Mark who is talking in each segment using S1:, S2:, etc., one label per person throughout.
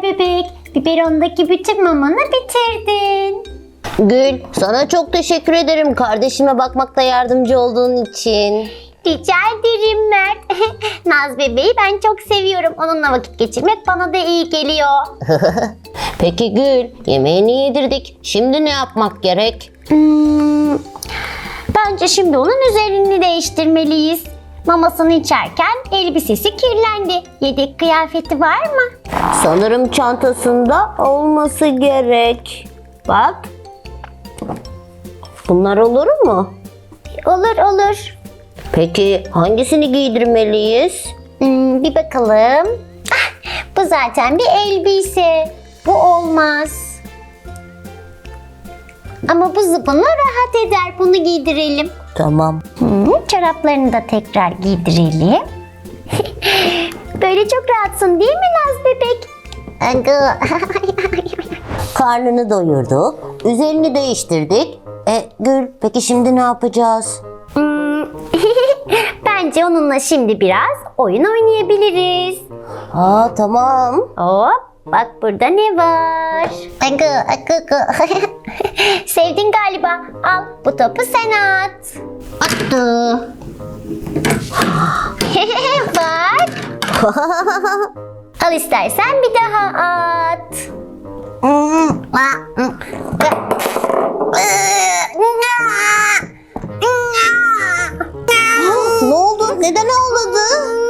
S1: bebek. Biberondaki bütün mamanı bitirdin.
S2: Gül, sana çok teşekkür ederim kardeşime bakmakta yardımcı olduğun için.
S1: Rica ederim Mert. Naz bebeği ben çok seviyorum. Onunla vakit geçirmek bana da iyi geliyor.
S2: Peki Gül, yemeğini yedirdik. Şimdi ne yapmak gerek?
S1: Bence şimdi onun üzerini değiştirmeliyiz. Mamasını içerken elbisesi kirlendi. Yedek kıyafeti var mı?
S2: Sanırım çantasında olması gerek. Bak. Bunlar olur mu?
S1: Olur olur.
S2: Peki hangisini giydirmeliyiz?
S1: Bir bakalım. Ah, bu zaten bir elbise. Bu olmaz. Ama bu zıbını rahat eder. Bunu giydirelim.
S2: Tamam.
S1: Çoraplarını da tekrar giydirelim. Böyle çok rahatsın değil mi Naz bebek?
S2: Karnını doyurduk. Üzerini değiştirdik. Gül, peki şimdi ne yapacağız?
S1: Bence onunla şimdi biraz oyun oynayabiliriz.
S2: Tamam.
S1: Hop, bak burada ne var? Sevdin galiba. Al, bu topu sen at.
S2: Attı.
S1: Bak. Al istersen bir daha at.
S2: Ne oldu? Neden ağladı?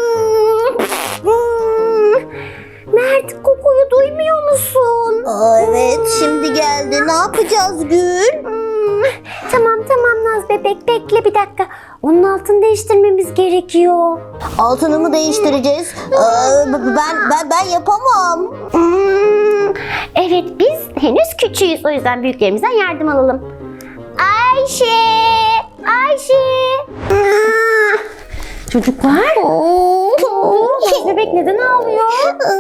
S1: Mert, kokuyu duymuyor musun?
S2: Evet, şimdi geldi. Ne yapacağız Gül?
S1: Tamam Naz bebek, bekle bir dakika. Onun altını değiştirmemiz gerekiyor.
S2: Altını mı değiştireceğiz? Ben yapamam.
S1: Evet, biz henüz küçüğüz. O yüzden büyüklerimizden yardım alalım. Ayşe! Çocuklar? Naz bebek neden ağlıyor?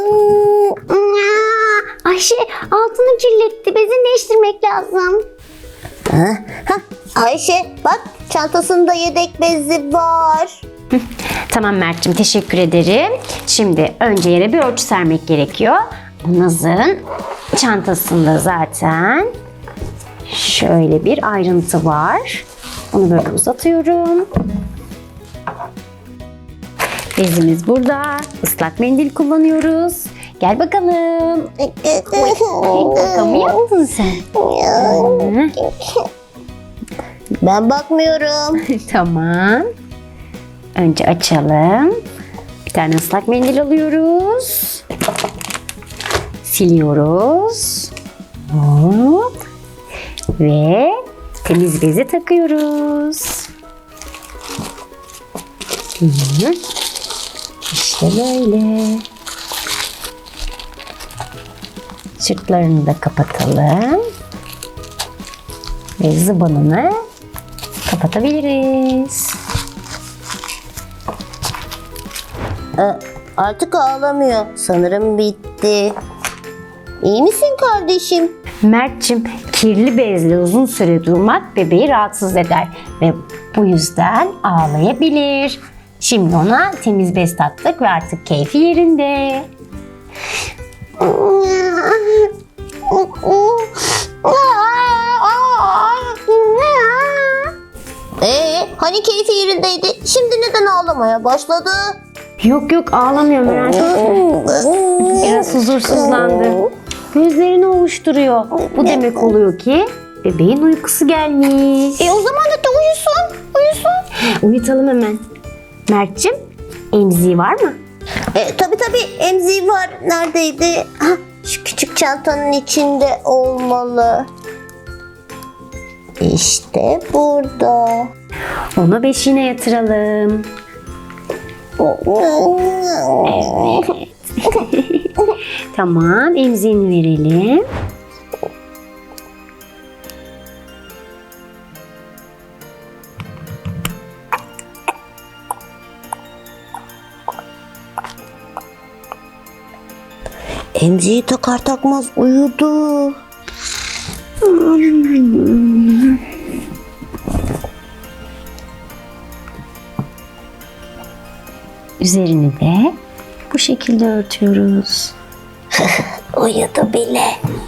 S1: Ayşe, altını kirletti. Bezini değiştirmek lazım.
S2: Ayşe, bak çantasında yedek bezi var.
S1: Tamam Mert'cim, teşekkür ederim. Şimdi önce yere bir örtü sermek gerekiyor. Bu Naz'ın çantasında zaten şöyle bir ayrıntı var. Onu böyle uzatıyorum. Bezimiz burada. Islak mendil kullanıyoruz. Gel bakalım. Kaka mı yaptın sen?
S2: Ben bakmıyorum.
S1: Tamam. Önce açalım. Bir tane ıslak mendil alıyoruz. Siliyoruz. Hop. Ve temiz bezi takıyoruz. İşte böyle. Sırtlarını da kapatalım. Ve zıbanını kapatabiliriz.
S2: Artık ağlamıyor. Sanırım bitti. İyi misin kardeşim?
S1: Mert'cim, kirli bezle uzun süre durmak bebeği rahatsız eder ve bu yüzden ağlayabilir. Şimdi ona temiz bez taktık ve artık keyfi yerinde.
S2: Hani keyfi yerindeydi? Şimdi neden ağlamaya başladı?
S1: Yok ağlamıyor merak etme. Biraz huzursuzlandı. Gözlerini ovuşturuyor. Bu demek oluyor ki bebeğin uykusu gelmiş.
S2: O zaman da uyusun.
S1: Uyutalım hemen. Mert'cim, emziği var mı?
S2: Tabii emziği var. Neredeydi? Şu küçük çantanın içinde olmalı. İşte burada.
S1: Onu beşiğine yatıralım. Evet. Tamam, emziğini verelim.
S2: Emziği takar takmaz uyudu.
S1: Üzerini de bu şekilde örtüyoruz.
S2: Uyudu bile.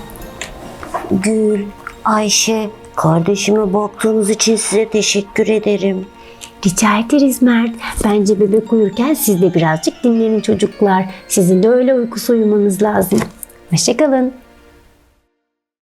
S2: Gül, Ayşe, kardeşime baktığınız için size teşekkür ederim.
S1: Rica ederiz Mert. Bence bebek uyurken siz de birazcık dinlenin çocuklar. Sizin de öyle uykusu uyumanız lazım. Hoşça kalın.